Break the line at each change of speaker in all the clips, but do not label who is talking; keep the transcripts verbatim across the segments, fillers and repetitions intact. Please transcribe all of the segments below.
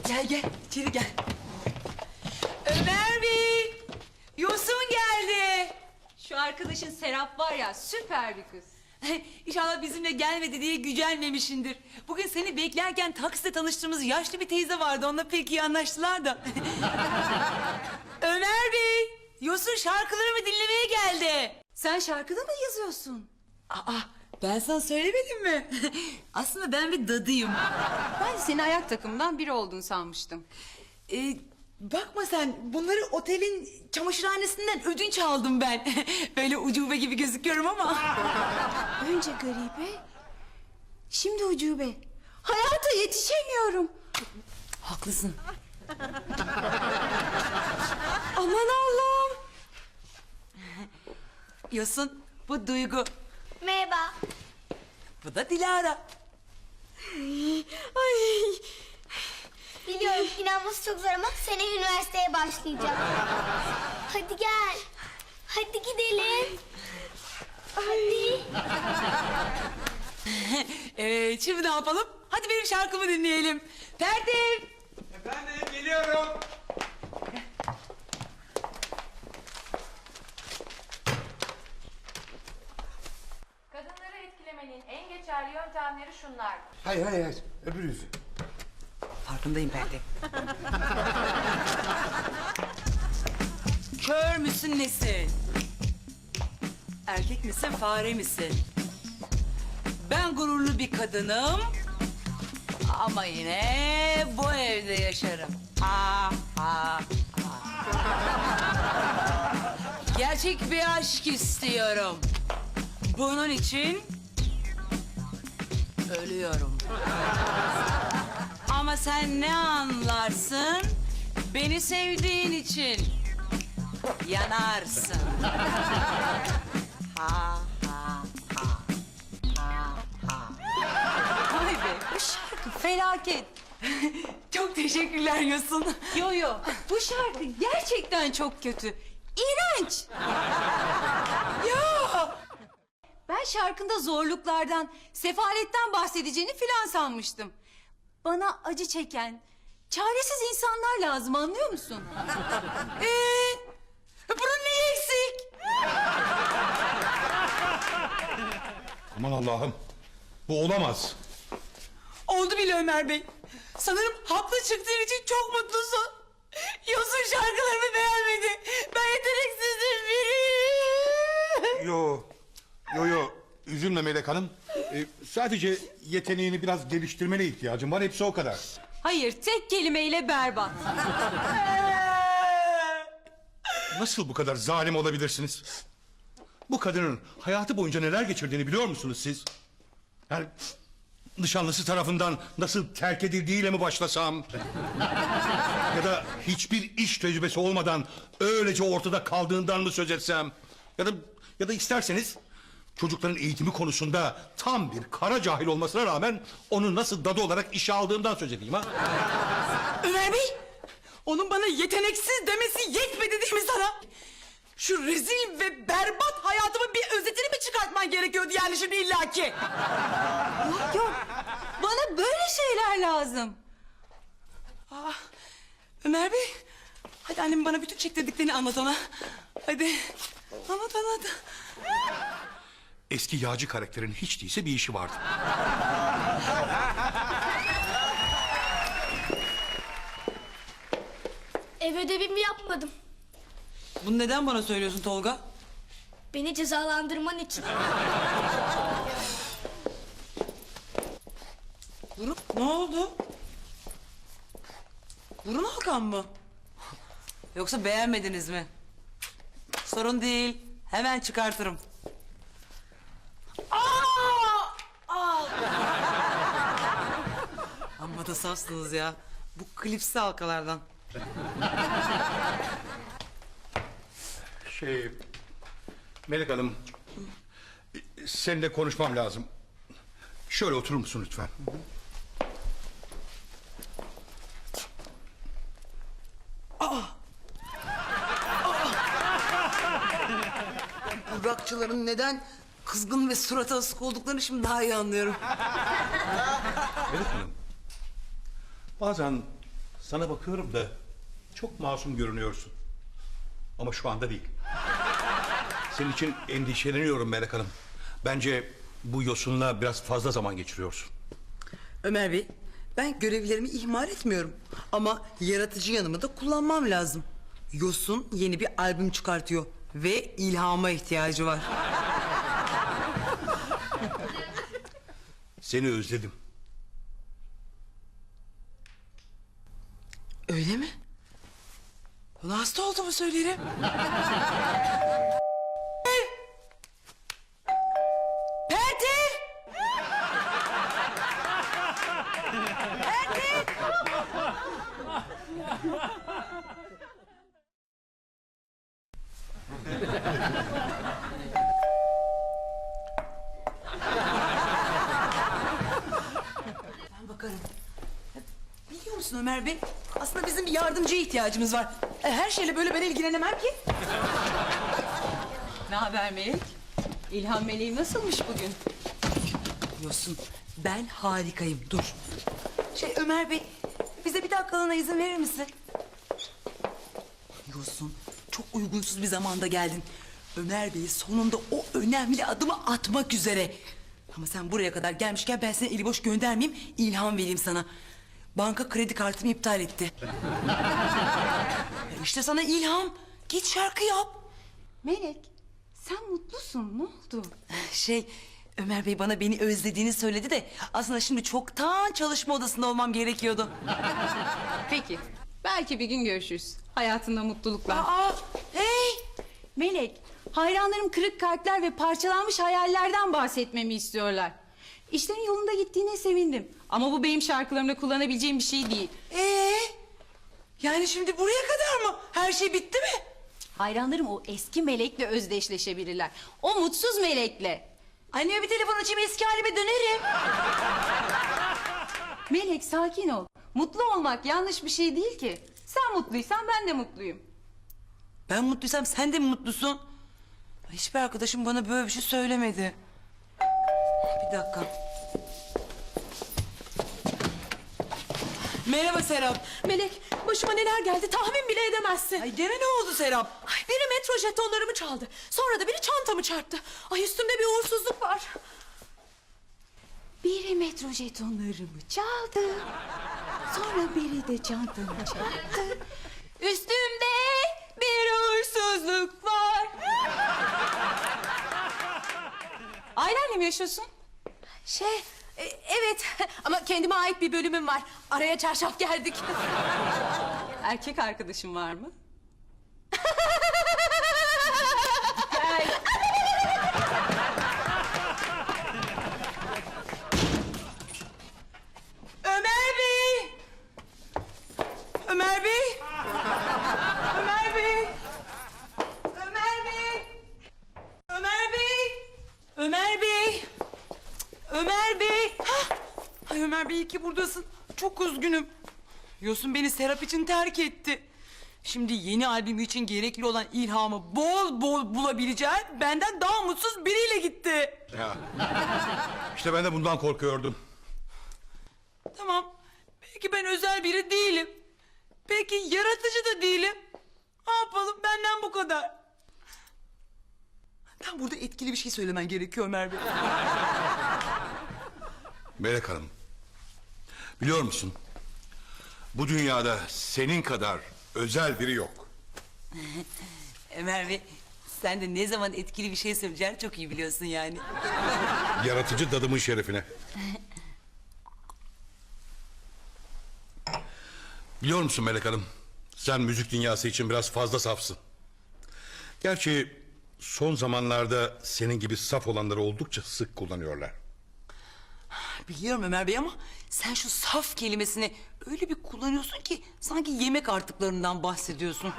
Gel gel içeri gel. Ömer Bey, Yosun geldi.
Şu arkadaşın Serap var ya, süper bir kız.
İnşallah bizimle gelmedi diye gücenmemişindir. Bugün seni beklerken takside tanıştığımız yaşlı bir teyze vardı. Onunla pek iyi anlaştılar da. Ömer Bey, Yosun şarkılarımı dinlemeye geldi.
Sen şarkıda mı yazıyorsun?
Aa, ben sana söylemedim mi? Aslında ben bir dadıyım.
Ben de senin ayak takımından biri olduğunu sanmıştım.
Ee, bakma sen, bunları otelin çamaşırhanesinden ödünç aldım ben. Böyle ucube gibi gözüküyorum ama.
Önce garibe, şimdi ucube. Hayata yetişemiyorum.
Haklısın.
Aman Allah'ım.
Yosun, bu Duygu.
Merhaba.
Bu da Dilara.
Ay.
Biliyorum inanması çok zor ama seneye üniversiteye başlayacağım. Hadi gel. Hadi gidelim. Hadi.
Evet, şimdi ne yapalım? Hadi benim şarkımı dinleyelim. Ferdi.
Efendim geliyorum.
Kadınları etkilemenin en geçerli yöntemleri şunlardır.
Hayır hayır hayır. Öbür yüzü.
Farkındayım Ferdi. Kör müsün nesin? Erkek misin, fare misin? Ben gururlu bir kadınım. Ama yine bu evde yaşarım. Ha ha ha. Gerçek bir aşk istiyorum. Bunun için ölüyorum. Ama sen ne anlarsın? Beni sevdiğin için yanarsın. Ha ha ha. Ha ha.
Vay be, bu şarkı felaket.
Çok teşekkürler Yosun.
Yo yo, bu şarkı gerçekten çok kötü. İğrenç.
Ya!
Ben şarkında zorluklardan, sefaletten bahsedeceğini filan sanmıştım. Bana acı çeken, çaresiz insanlar lazım, anlıyor musun?
Ee, bunun neyi eksik?
Aman Allah'ım. Bu olamaz.
Oldu bile Ömer Bey. Sanırım haklı çıktığın için çok mutlusun. Yosun şarkılarımı beğenmedi. Ben yeteneksizim biri.
Yo. Yo yo. Üzülme Melek Hanım. Ee, sadece yeteneğini biraz geliştirmene ihtiyacım var. Hepsi o kadar.
Hayır, tek kelimeyle berbat.
Nasıl bu kadar zalim olabilirsiniz? Bu kadının hayatı boyunca neler geçirdiğini biliyor musunuz siz? Yani nişanlısı tarafından nasıl terk edildiğiyle mi başlasam? Ya da hiçbir iş tecrübesi olmadan öylece ortada kaldığından mı söz etsem? Ya da ya da isterseniz çocukların eğitimi konusunda tam bir kara cahil olmasına rağmen onu nasıl dadı olarak işe aldığımdan söz edeyim ha?
Ömer Bey, onun bana yeteneksiz demesi yetmedi değil mi sana? Şu rezil ve berbat hayatımın bir özetini mi çıkartman gerekiyordu yani şimdi illaki?
Yok yok, bana böyle şeyler lazım.
Aa, Ömer Bey, hadi annem bana bütün çektirdiklerini anlat ona. Hadi, anlat anlat.
Eski yağcı karakterin hiç değilse bir işi vardı.
Ev ödevimi yapmadım.
Bunu neden bana söylüyorsun Tolga?
Beni cezalandırman için.
Burun, ne oldu? Burun Hakan mı? Yoksa beğenmediniz mi? Sorun değil, hemen çıkartırım. Aa! Aa! Amma da safsınız ya. Bu klipsi halkalardan.
Şey... Melek Hanım... Seninle konuşmam lazım. Şöyle oturur musun lütfen?
Bu rockçıların neden kızgın ve surata asık olduklarını şimdi daha iyi anlıyorum.
Melek Hanım... Bazen Sana bakıyorum da çok masum görünüyorsun. Ama şu anda değil. Senin için endişeleniyorum Melek Hanım. Bence bu Yosun'la biraz fazla zaman geçiriyorsun.
Ömer Bey, ben görevlerimi ihmal etmiyorum. Ama yaratıcı yanımı da kullanmam lazım. Yosun yeni bir albüm çıkartıyor ve ilhama ihtiyacı var.
Seni özledim.
Öyle mi? Buna hasta olduğumu söylerim. Pertev! Ben bakarım. Biliyor musun Ömer Bey? Aslında bizim bir yardımcıya ihtiyacımız var. E, Her şeyle böyle ben ilgilenemem ki.
Ne haber Melek? İlham Meleği nasılmış bugün?
Yosun, ben harikayım. Dur. Şey Ömer Bey, bize bir dakikalığına izin verir misin? Yosun, çok uygunsuz bir zamanda geldin. Ömer Bey sonunda o önemli adımı atmak üzere. Ama sen buraya kadar gelmişken ben seni eli boş göndermeyeyim, ilham vereyim sana. Banka kredi kartımı iptal etti. İşte sana ilham. Git şarkı yap.
Melek, sen mutlusun. Ne oldu?
Şey, Ömer Bey bana beni özlediğini söyledi de... ...aslında şimdi çoktan çalışma odasında olmam gerekiyordu.
Peki, belki bir gün görüşürüz. Hayatında mutluluklar.
Aa, hey!
Melek, hayranlarım kırık kalpler ve parçalanmış hayallerden bahsetmemi istiyorlar. İşlerin yolunda gittiğine sevindim. Ama bu benim şarkılarımda kullanabileceğim bir şey değil.
Ee, yani şimdi buraya kadar mı? Her şey bitti mi?
Hayranlarım o eski melekle özdeşleşebilirler. O mutsuz melekle.
Anneme bir telefon açayım, eski halime dönerim.
Melek sakin ol. Mutlu olmak yanlış bir şey değil ki. Sen mutluysan ben de mutluyum.
Ben mutluysam sen de mi mutlusun? Hiçbir arkadaşım bana böyle bir şey söylemedi. Bir dakika. Merhaba Serap.
Melek, başıma neler geldi tahmin bile edemezsin.
Ay gene ne oldu Serap?
Ay, biri metro jetonlarımı çaldı. Sonra da biri çantamı çarptı. Ay üstümde bir uğursuzluk var.
Biri metro jetonlarımı çaldı. Sonra biri de çantamı çarptı. Üstümde bir uğursuzluk var. Ailenle mi yaşıyorsun?
Şey, e, evet ama kendime ait bir bölümüm var. Araya çarşaf geldik.
Erkek arkadaşın var mı?
Ömer Bey! Ömer Bey! Ömer Bey! Ömer Bey! Ömer Bey! Ömer Bey! Ömer Bey! Hah! Ay Ömer Bey iyi ki buradasın. Çok üzgünüm. Yosun beni Serap için terk etti. Şimdi yeni albümü için gerekli olan ilhamı bol bol bulabileceğim benden daha mutsuz biriyle gitti.
Ya. İşte ben de bundan korkuyordum.
Tamam. Belki ben özel biri değilim. Belki yaratıcı da değilim. Ne yapalım, benden bu kadar. Ben burada etkili bir şey söylemen gerekiyor Ömer Bey.
Melek Hanım. Biliyor musun? Bu dünyada senin kadar özel biri yok.
Ömer Bey, sen de ne zaman etkili bir şey söyleyeceğini çok iyi biliyorsun yani.
Yaratıcı dadımın şerefine. Biliyor musun Melek Hanım? Sen müzik dünyası için biraz fazla safsın. Gerçi son zamanlarda senin gibi saf olanları oldukça sık kullanıyorlar.
Biliyorum Ömer Bey ama sen şu saf kelimesini öyle bir kullanıyorsun ki sanki yemek artıklarından bahsediyorsun.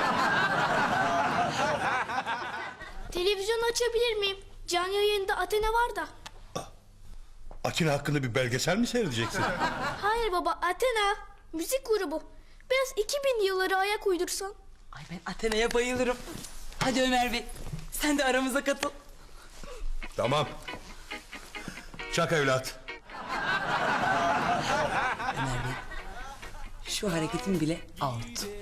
Televizyonu açabilir miyim? Canlı yayında Athena var da.
Atina hakkında bir belgesel mi seyredeceksin?
Hayır baba, Athena müzik grubu. Biraz iki bin yılları ayak uydursan.
Ay ben Athena'ya bayılırım. Hadi Ömer Bey, sen de aramıza katıl.
Tamam. Çak evlat.
Ömer Bey, şu hareketin bile out.